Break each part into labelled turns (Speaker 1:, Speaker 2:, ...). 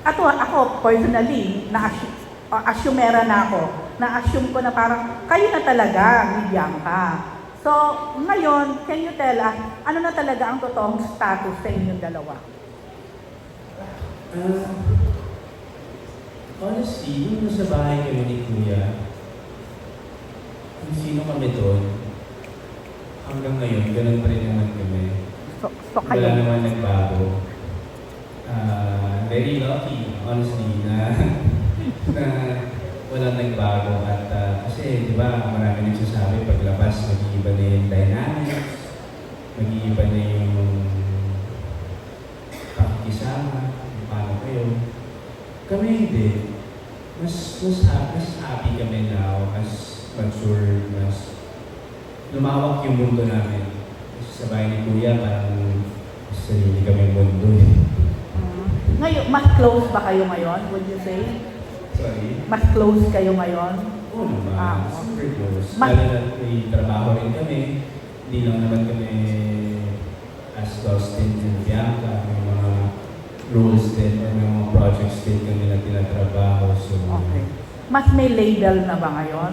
Speaker 1: Ako personally, assumera na ako. Na-assume ko na parang kayo na talaga ni Bianca. So, ngayon, can you tell us, ano na talaga ang totoong status sa inyong dalawa?
Speaker 2: Honestly, yung nasa bahay kami ni Kuya, kung sino kami doon, hanggang ngayon, ganun pa rin naman kami.
Speaker 1: So
Speaker 2: Wala
Speaker 1: kayo.
Speaker 2: naman nagbago. Very lucky, honestly, na walang nagbago. At kasi, di ba, marami nagsasabi, paglabas, mag-iiba na yung dynamics, mag-iiba na yung pakikisama, kung paano kayo. Kami hindi. Mas happy kami now, mas mature, mas lumawak yung mundo namin. Kasi sa bahay ni Kuya, parang sarili kami mundo eh.
Speaker 1: Ngayon, mas close ba kayo ngayon, would you say?
Speaker 2: Sorry?
Speaker 1: Mas close kayo ngayon?
Speaker 2: Oo naman, super close.
Speaker 1: Mas-
Speaker 2: Lalo na may trabaho rin kami. Hindi lang naman kami as Dustin and Bianca. May mga roles din or may mga projects din kami na tinatrabaho. So,
Speaker 1: Okay. Mas may label na ba ngayon?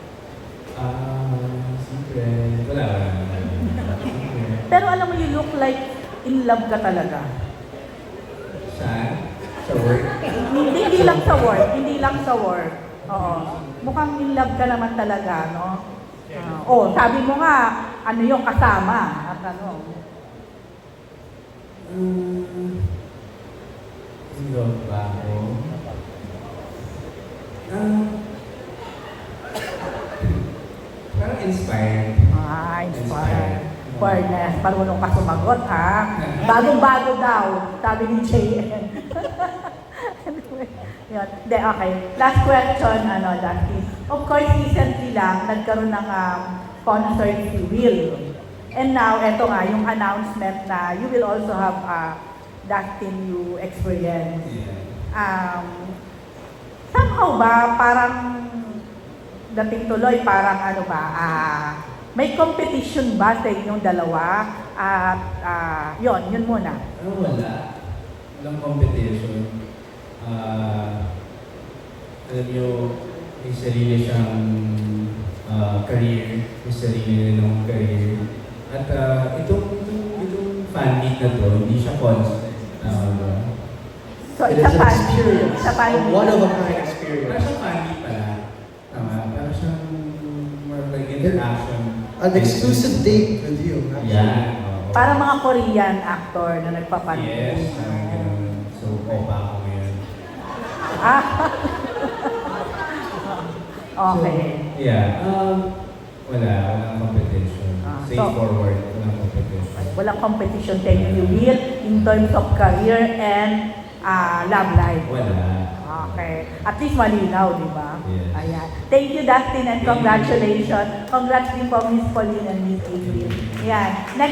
Speaker 2: secret. Wala.
Speaker 1: Pero alam mo, you look like in love ka talaga.
Speaker 2: Saan? Sa work?
Speaker 1: Hindi lang sa work, hindi lang sa work. Oo. Mukhang in love ka naman talaga, no? Sabi mo nga, ano yung kasama at ano.
Speaker 2: Hindi ba ako? Parang inspired.
Speaker 1: Inspired. Fairness, marunong ka sumagot, ha? Bagong-bago daw, sabi ni JN. Anyway, yun. De, okay. Last question, Dustin. Of course, recently lang, nagkaroon ng concert si Will. And now, eto nga, yung announcement na you will also have Dustin You experience.
Speaker 2: Yeah.
Speaker 1: Somehow ba, parang dating tuloy, parang may competition ba sa inyong dalawa? At yun muna.
Speaker 2: Wala. Walang competition. Alam nyo, may sarili siyang career. May sarili ng career. At itong fan meet na to, hindi siya concert.
Speaker 1: So,
Speaker 3: It
Speaker 1: it's a
Speaker 3: is an
Speaker 1: fan
Speaker 3: experience.
Speaker 1: It's a fan
Speaker 3: One of a kind
Speaker 2: Parang
Speaker 3: experience.
Speaker 2: siyang fan meet pala. Parang siyang more like interaction.
Speaker 3: An exclusive date with you. actually.
Speaker 2: Yeah.
Speaker 1: Para mga Korean actor na nagpapansin.
Speaker 2: Yes, parang ganun. So, opa ako ngayon.
Speaker 1: Ah. Okay.
Speaker 2: So, yeah. Walang competition. Straightforward, walang competition.
Speaker 1: Walang competition sa inyo, Will, in terms of career and love life.
Speaker 2: Wala.
Speaker 1: Okay. At least malinaw, di ba?
Speaker 2: Yes.
Speaker 1: Ayan. Thank you, Dustin, and
Speaker 2: Thank you.
Speaker 1: congratulations. Congrats din po, Miss Pauline and Miss April. Ayan. Next